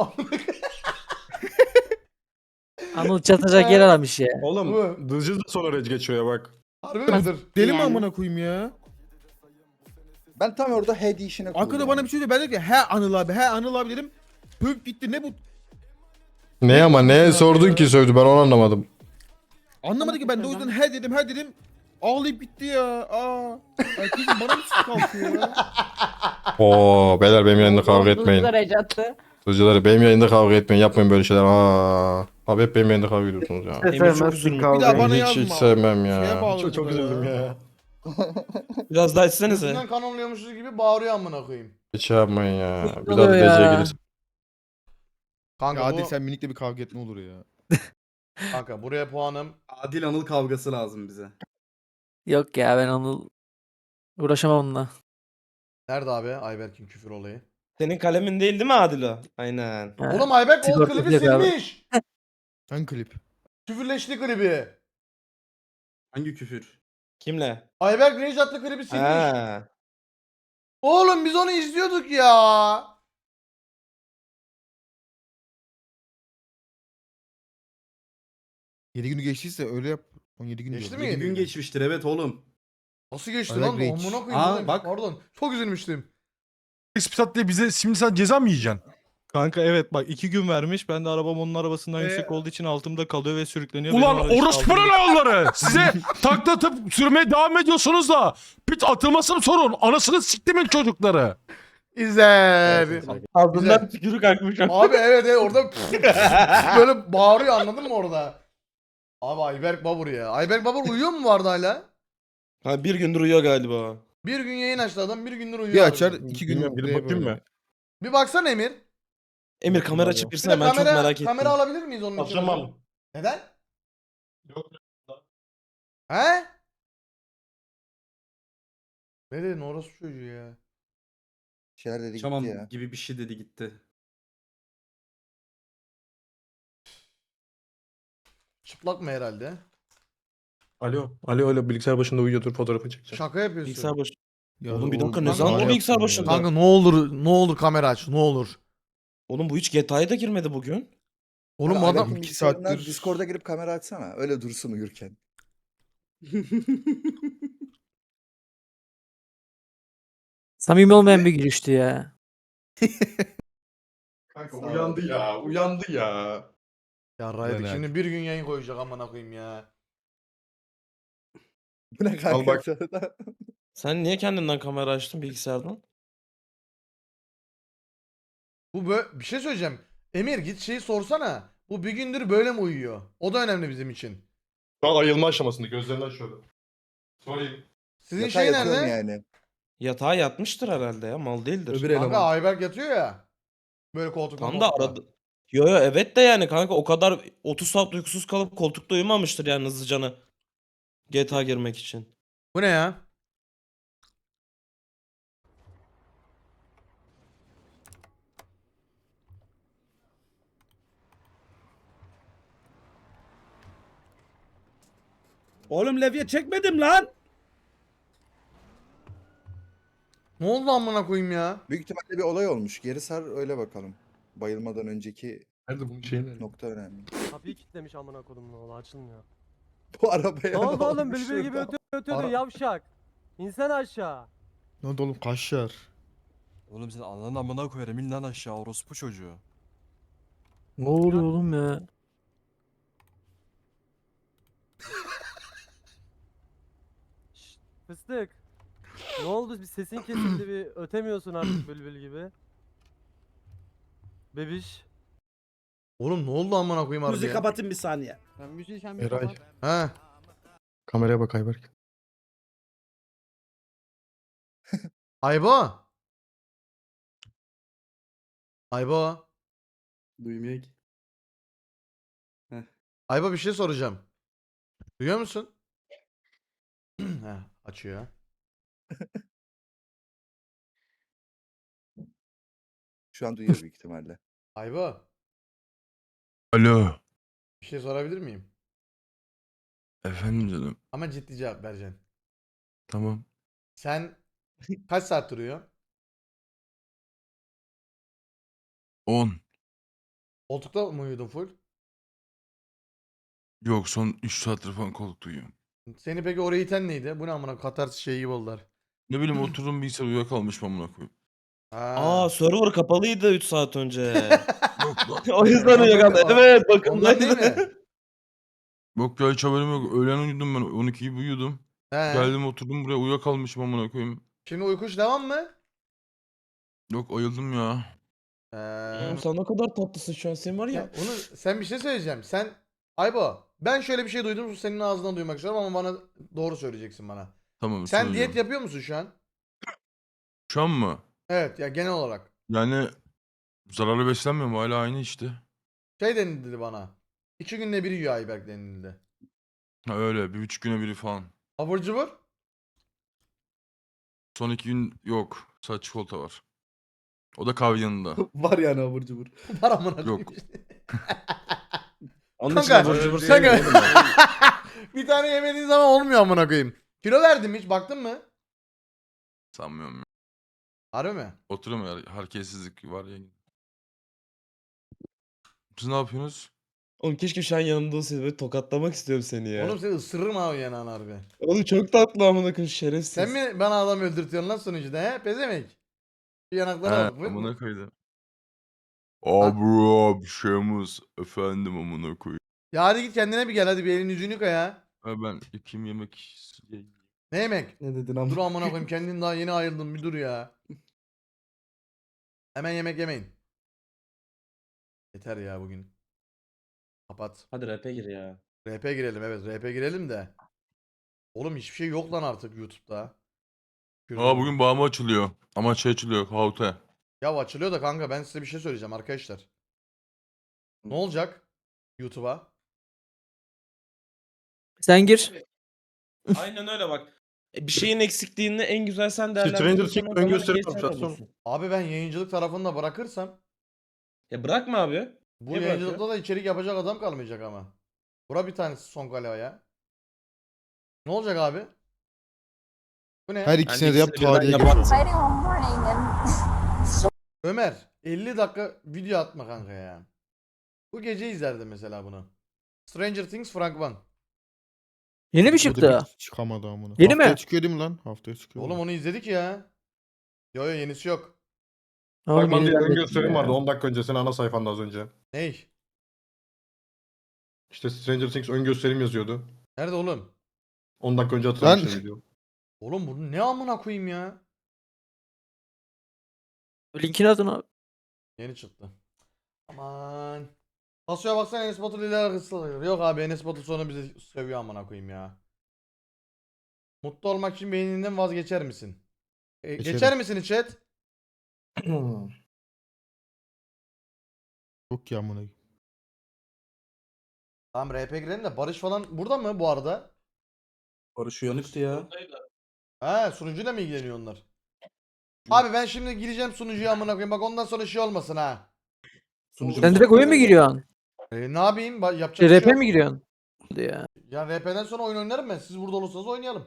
Speaker 9: Anıl çatacak yer aramış ya.
Speaker 5: Oğlum Dızcı da sonra rage geçiyor ya bak.
Speaker 1: Harbi midir?
Speaker 6: Deli mi
Speaker 10: Yani.
Speaker 6: amına koyayım ya?
Speaker 2: Ben tam orada head işine kurdum.
Speaker 6: Arkada bana bir şey söyledi. Ben dedim ki he Anıl abi he Anıl abi dedim. Pöp gitti ne bu?
Speaker 5: Ne ama neye sordun ki sövdü ben onu anlamadım.
Speaker 6: Anlamadı ki ben de o yüzden he dedim he dedim. Ağlayıp gitti ya. Aa. Ay kızım bana mı sık kalkıyor ya?
Speaker 5: Oo beyler benim yayında kavga etmeyin.
Speaker 10: Dızcılar rage attı.
Speaker 5: Dızcıları benim yayında kavga etmeyin. Yapmayın böyle şeyler. Aa. Abi hep benim yayında kavga ediyorsunuz ya.
Speaker 4: Emir çok üzülmüş.
Speaker 6: Bir daha bana
Speaker 5: hiç
Speaker 6: yazma.
Speaker 5: hiç sevmem
Speaker 6: Şeye
Speaker 5: ya.
Speaker 6: bağladı
Speaker 5: Çok çok
Speaker 6: bu da
Speaker 5: üzüldüm
Speaker 6: ya.
Speaker 5: ya.
Speaker 4: Biraz daha içsenize.
Speaker 1: Üstünden kanonluyormuşuz gibi bağırıyor amına koyayım.
Speaker 5: Hiç şey yapmayın ya. Bir daha
Speaker 9: oluyor
Speaker 5: da D C'ye
Speaker 9: ya.
Speaker 5: gelirsin.
Speaker 1: Kanka
Speaker 6: Ya
Speaker 1: bu,
Speaker 6: hadi sen minikle bir kavga etme olur ya.
Speaker 1: kanka buraya puanım.
Speaker 11: Adil Anıl kavgası lazım bize.
Speaker 9: Yok ya ben Anıl uğraşamam onunla.
Speaker 1: Nerede abi Ayberk'in küfür olayı?
Speaker 4: Senin kalemin değil değil mi Adilo? Aynen.
Speaker 9: Ha.
Speaker 1: Oğlum Ayberk o
Speaker 9: sigorta
Speaker 1: klibi
Speaker 9: yok abi.
Speaker 1: silmiş.
Speaker 6: Hangi klip?
Speaker 1: Küfürleşti klibi.
Speaker 11: Hangi küfür?
Speaker 4: Kimle?
Speaker 1: Ayberk Rage adlı klibi silmiş.
Speaker 4: Ha.
Speaker 1: Oğlum biz onu izliyorduk ya.
Speaker 6: yedi günü geçtiyse öyle yap. on yedi gün
Speaker 1: Geçti
Speaker 6: diyorum.
Speaker 1: mi?
Speaker 11: yedi
Speaker 1: yedi
Speaker 11: gün
Speaker 1: gün?
Speaker 11: geçmiştir evet oğlum.
Speaker 1: Nasıl geçti
Speaker 6: Ayberk
Speaker 1: lan?
Speaker 6: Rage.
Speaker 1: Amına koyayım.
Speaker 11: Aa,
Speaker 1: bu neymiş?
Speaker 11: bak.
Speaker 1: Pardon. Çok üzülmüştüm.
Speaker 5: Expisat diye bize şimdi sen ceza mı yiyeceksin?
Speaker 13: Kanka evet bak iki gün vermiş. Ben de arabam onun arabasından
Speaker 6: Ee,
Speaker 13: yüksek olduğu için altımda kalıyor ve sürükleniyor.
Speaker 5: Ulan
Speaker 13: Benim aracı
Speaker 5: orospunun
Speaker 13: altımda-
Speaker 5: oğulları! Size takla atıp sürmeye devam ediyorsunuz da pit atılmasını sorun. Anasını siktimin çocukları.
Speaker 1: İzler.
Speaker 4: Ağzından tükürük akmış.
Speaker 1: Abi evet evet orada böyle bağırıyor anladın mı orada? Abi Ayberk Babur ya. Ayberk Babur uyuyor mu vardı hala?
Speaker 4: Ha bir gündür uyuyor galiba.
Speaker 1: Bir gün yayın açtı adam bir gündür uyuyor.
Speaker 6: Bir
Speaker 1: abi.
Speaker 6: açar iki gün
Speaker 5: Bilmiyorum, gidip bakayım mı?
Speaker 1: Bir baksana Emir.
Speaker 4: Emir kamera
Speaker 1: Bir
Speaker 4: çıkırsana
Speaker 1: de
Speaker 4: ben çok
Speaker 1: kamera,
Speaker 4: merak ettim.
Speaker 1: kamera alabilir miyiz onun için?
Speaker 5: Açamam.
Speaker 1: Neden?
Speaker 5: Yok.
Speaker 1: He? Ne dedin orası çocuğu ya?
Speaker 2: Şeyler dedi
Speaker 11: Tamam
Speaker 2: gitti ya.
Speaker 11: gibi bir şey dedi gitti.
Speaker 1: Çıplak mı herhalde?
Speaker 5: Alo. Alo alo bilgisayar başında uyuyordur fotoğrafı çekeceğim.
Speaker 1: Şaka yapıyorsun.
Speaker 4: Bilgisayar başı.
Speaker 6: Ya
Speaker 4: Oğlum bir dakika,
Speaker 6: oğlum,
Speaker 4: ne zaman
Speaker 6: kanka
Speaker 4: o bilgisayar
Speaker 6: yaptın
Speaker 4: başında?
Speaker 6: ya.
Speaker 1: Kanka ne olur ne olur kamera aç ne olur.
Speaker 4: Oğlum bu hiç G T A'ya da girmedi bugün.
Speaker 1: Oğlum
Speaker 2: Abi,
Speaker 1: adam
Speaker 2: Ayberk'in
Speaker 6: iki
Speaker 2: bilgisayarından
Speaker 6: saattir-
Speaker 2: Discord'a girip kamera açsana. Öyle dursun uyurken.
Speaker 9: Samimi olmayan bir gülüştü ya.
Speaker 5: Kanka
Speaker 2: Sağ ol
Speaker 5: uyandı
Speaker 2: abi.
Speaker 5: ya. Uyandı ya.
Speaker 1: ya Raydik
Speaker 5: Ulan
Speaker 1: şimdi
Speaker 5: abi.
Speaker 1: bir gün yayın koyacak amına koyayım ya.
Speaker 2: Bu ne kanka?
Speaker 5: bak.
Speaker 2: Sonra-
Speaker 4: Sen niye kendinden kamera açtın bilgisayardan?
Speaker 1: Bu böyle bir şey söyleyeceğim. Emir git şeyi sorsana. Bu bir gündür böyle mi uyuyor? O da önemli bizim için.
Speaker 5: Şu an ayılma aşamasında. Gözlerini açıyordu. Sorayım.
Speaker 1: Sizin
Speaker 2: Yatağa
Speaker 1: şey
Speaker 2: yatıyorum
Speaker 1: nerede?
Speaker 2: yani.
Speaker 4: Yatağa yatmıştır herhalde ya. Mal değildir.
Speaker 5: Öbür
Speaker 1: Kanka
Speaker 5: eleman.
Speaker 1: Ayberk yatıyor ya. Böyle koltukta.
Speaker 4: Tam da
Speaker 1: moltukta.
Speaker 4: aradı. Yo yo evet de yani kanka o kadar otuz saat uykusuz kalıp koltukta uyumamıştır yani hızlıcanı. G T A girmek için.
Speaker 1: Bu ne ya?
Speaker 3: Oğlum levye çekmedim lan.
Speaker 1: Ne oldu amına koyayım ya?
Speaker 2: Büyük ihtimalle bir olay olmuş. Geri sar öyle bakalım. Bayılmadan önceki
Speaker 5: Nerede bunun şeyi nerede?
Speaker 2: nokta önemli.
Speaker 3: Kapıyı kilitlemiş amına kodum ne oldu açılmıyor.
Speaker 2: Bu arabaya
Speaker 3: Ne oldu oğlum
Speaker 2: olmuş
Speaker 3: bülbül gibi
Speaker 2: şurada?
Speaker 3: ötüyor ötüyordu
Speaker 1: Ara-
Speaker 3: yavşak. İnsan aşağı.
Speaker 6: Ne oldu oğlum kaşlar?
Speaker 13: Oğlum sen ananı amına koyarım in lan aşağı orospu çocuğu.
Speaker 9: Ne oluyor oğlum ya?
Speaker 3: Şşt, fıstık. Ne oldu bir sesin kesildi bir ötemiyorsun artık bülbül gibi. Bebiş.
Speaker 1: Oğlum ne oldu amına koyayım harbi ya?
Speaker 3: kapatın bir saniye.
Speaker 13: Sen müziği sen
Speaker 5: Eray.
Speaker 1: Ha.
Speaker 5: Kameraya bak Ayberk.
Speaker 1: Aybo. Aybo.
Speaker 7: Duymuyor ki.
Speaker 1: Aybo bir şey soracağım. Duyuyor musun? Heh, açıyor.
Speaker 2: Şu an duyuyor büyük ihtimalle.
Speaker 1: Aybo.
Speaker 7: Alo.
Speaker 1: Bir şey sorabilir miyim?
Speaker 7: Efendim canım.
Speaker 1: Ama ciddi cevap vereceksin.
Speaker 7: Tamam.
Speaker 1: Sen kaç saat duruyor?
Speaker 7: on.
Speaker 1: Koltukta mı uyudun full?
Speaker 7: Yok son üç saattir falan koltuk uyuyorum.
Speaker 1: Seni peki oraya iten neydi? Bu ne amına Katarsis şeyi gibi oldular.
Speaker 7: Ne bileyim oturdum bilgisayar uyuyakalmışım amına koyayım.
Speaker 1: Ha.
Speaker 4: Aa server kapalıydı üç saat önce.
Speaker 7: Yok lan.
Speaker 4: O yüzden uyuyakaldı. Evet bakın.
Speaker 1: Ondan değil mi?
Speaker 7: Yok ya hiç haberim yok. Öğlen uyudum ben on iki gibi uyudum.
Speaker 1: He.
Speaker 7: Geldim oturdum buraya uyuyakalmışım amına koyayım.
Speaker 1: Şimdi uykuş devam mı?
Speaker 7: Yok ayıldım ya.
Speaker 1: He.
Speaker 4: Oğlum sen ne kadar tatlısın şu an sen var
Speaker 1: Ya
Speaker 4: ya.
Speaker 1: onu sen bir şey söyleyeceğim. Sen Aybo ben şöyle bir şey duydum senin ağzından duymak istiyorum ama bana doğru söyleyeceksin bana.
Speaker 7: Tamam
Speaker 1: Sen
Speaker 7: söyleyeceğim.
Speaker 1: diyet yapıyor musun şu an?
Speaker 7: Şu an mı?
Speaker 1: Evet ya genel olarak.
Speaker 7: Yani zararlı beslenmiyorum hala aynı işte.
Speaker 1: Şey denildi bana. İki günde bir yiyor Ayberk denildi.
Speaker 7: Ha öyle bir buçuk güne biri falan.
Speaker 1: Abur cubur?
Speaker 7: Son iki gün yok. Sadece çikolata var. O da kahve yanında.
Speaker 11: Var yani abur cubur.
Speaker 1: Var amına koyayım.
Speaker 7: Yok.
Speaker 4: Onun için
Speaker 1: Kanka,
Speaker 4: abur cubur
Speaker 1: Kanka.
Speaker 4: sevmiyorum oğlum ben.
Speaker 1: Bir tane yemediğin zaman olmuyor amına koyayım. Kilo verdim hiç baktın mı?
Speaker 7: Sanmıyorum ya.
Speaker 1: Harbi mi?
Speaker 7: Oturuyorum ya. Hareketsizlik var ya. Siz ne yapıyorsunuz?
Speaker 4: Oğlum keşke şu an yanımda olsaydı böyle tokatlamak istiyorum seni ya.
Speaker 1: Oğlum
Speaker 4: Oğlum,
Speaker 1: seni ısırırım ha o yanan harbi.
Speaker 4: çok tatlı amına koyayım şerefsiz.
Speaker 1: Sen mi bana adam öldürtüyorsun lan sonucuda he? Pezemek. Bir yanaklara
Speaker 7: He
Speaker 1: bak. Bu-
Speaker 7: amına koydum. Abi abi şeyimiz efendim amına koyayım.
Speaker 1: Ya hadi git kendine bir gel hadi bir elini yüzünü yıka ya.
Speaker 7: Ha ben yıkayım yemek.
Speaker 1: Ne yemek?
Speaker 11: Ne dedin
Speaker 1: Dur
Speaker 11: ama?
Speaker 1: amına koyayım kendin daha yeni ayrıldın bir dur ya. Hemen yemek yemeyin. Yeter ya bugün. Kapat.
Speaker 4: Hadi rap'e gir ya.
Speaker 1: R P girelim evet R P girelim de. Oğlum hiçbir şey yok lan artık YouTube'da.
Speaker 7: Aa bugün bağımı açılıyor. Ama şey açılıyor. Haute.
Speaker 1: Ya açılıyor da kanka ben size bir şey söyleyeceğim arkadaşlar. Ne olacak YouTube'a?
Speaker 9: Sen gir.
Speaker 4: Aynen öyle bak. E, Bir şeyin eksikliğini en güzel sen
Speaker 5: Stranger
Speaker 4: değerlendirirsen
Speaker 5: Things
Speaker 4: o
Speaker 5: ön
Speaker 4: zaman
Speaker 5: gösteri
Speaker 4: geçer
Speaker 5: yapmış,
Speaker 4: olursun.
Speaker 1: Abi ben yayıncılık tarafını da bırakırsam
Speaker 4: Ya bırakma abi.
Speaker 1: bu
Speaker 4: Niye
Speaker 1: yayıncılıkta da içerik yapacak adam kalmayacak ama. Bura bir tanesi son kale ya. Ne olacak abi? Bu ne?
Speaker 6: Her ikisine de yap
Speaker 4: ikisini birden
Speaker 6: tarihe
Speaker 4: yaparsın.
Speaker 6: geç.
Speaker 1: Ömer elli dakika video atma kanka ya. Bu gece izlerdim mesela bunu. Stranger Things Frank One.
Speaker 9: Yeni mi
Speaker 6: O da
Speaker 9: çıktı?
Speaker 6: bir çıkamadı amına.
Speaker 9: Yeni
Speaker 6: Haftaya
Speaker 9: mi?
Speaker 6: çıkıyor değil mi lan? Haftaya çıkıyor.
Speaker 1: Oğlum onu izledik ya. Yo yo yenisi yok.
Speaker 9: Oğlum
Speaker 5: Fragman
Speaker 9: yeni
Speaker 5: diye ön
Speaker 9: zannettim
Speaker 5: gösterim
Speaker 9: ya.
Speaker 5: vardı on dakika öncesine ana sayfanda az önce.
Speaker 1: Ney?
Speaker 5: İşte Stranger Things ön gösterim yazıyordu.
Speaker 1: Nerede oğlum?
Speaker 5: on dakika önce atılmış
Speaker 6: Lan-
Speaker 5: video.
Speaker 1: Oğlum bunu ne amına koyayım ya?
Speaker 9: Linkini atın abi.
Speaker 1: Yeni çıktı. Aman. Tasoya baksana Enes Batur ile alakası var. Yok abi Enes Batur sonra bizi seviyor amına koyayım ya. Mutlu olmak için beyninden vazgeçer misin? E,
Speaker 6: Geçerim.
Speaker 1: geçer misin chat?
Speaker 6: Yok ya amına.
Speaker 1: Tamam R P girelim de Barış falan burada mı bu arada?
Speaker 13: Barış uyanıktı ya.
Speaker 1: He sunucuyla mı ilgileniyor onlar? Abi ben şimdi gireceğim sunucuya amına koyayım. Bak ondan sonra şey olmasın ha.
Speaker 13: Sunucu
Speaker 9: Sen direkt oyun mu giriyorsun?
Speaker 1: E, ne yapayım? Ba- Yapacak
Speaker 9: Şey,
Speaker 1: bir şey
Speaker 9: R P
Speaker 1: yok.
Speaker 9: mi giriyorsun? Hadi ya.
Speaker 1: Ya R P'den sonra oyun oynarım ben. Siz burada olursanız oynayalım.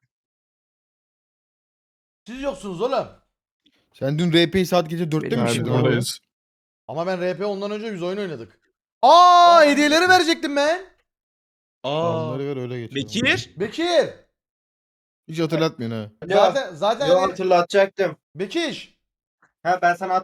Speaker 1: Siz yoksunuz oğlum.
Speaker 6: Sen dün R P'yi saat gece dörtte mi
Speaker 9: Benim
Speaker 6: girdin
Speaker 9: işim
Speaker 6: abi?
Speaker 5: Oradayız.
Speaker 1: Ama ben R P ondan önce biz oyun oynadık. Aa, hediyeleri verecektim ben.
Speaker 13: Aa.
Speaker 6: Onları ver öyle geç.
Speaker 4: Bekir.
Speaker 1: Bekir.
Speaker 6: Hiç hatırlatmıyorsun ha.
Speaker 1: Zaten zaten
Speaker 11: Yo
Speaker 1: hani
Speaker 11: hatırlatacaktım.
Speaker 1: Bekir.
Speaker 11: Ha ben sana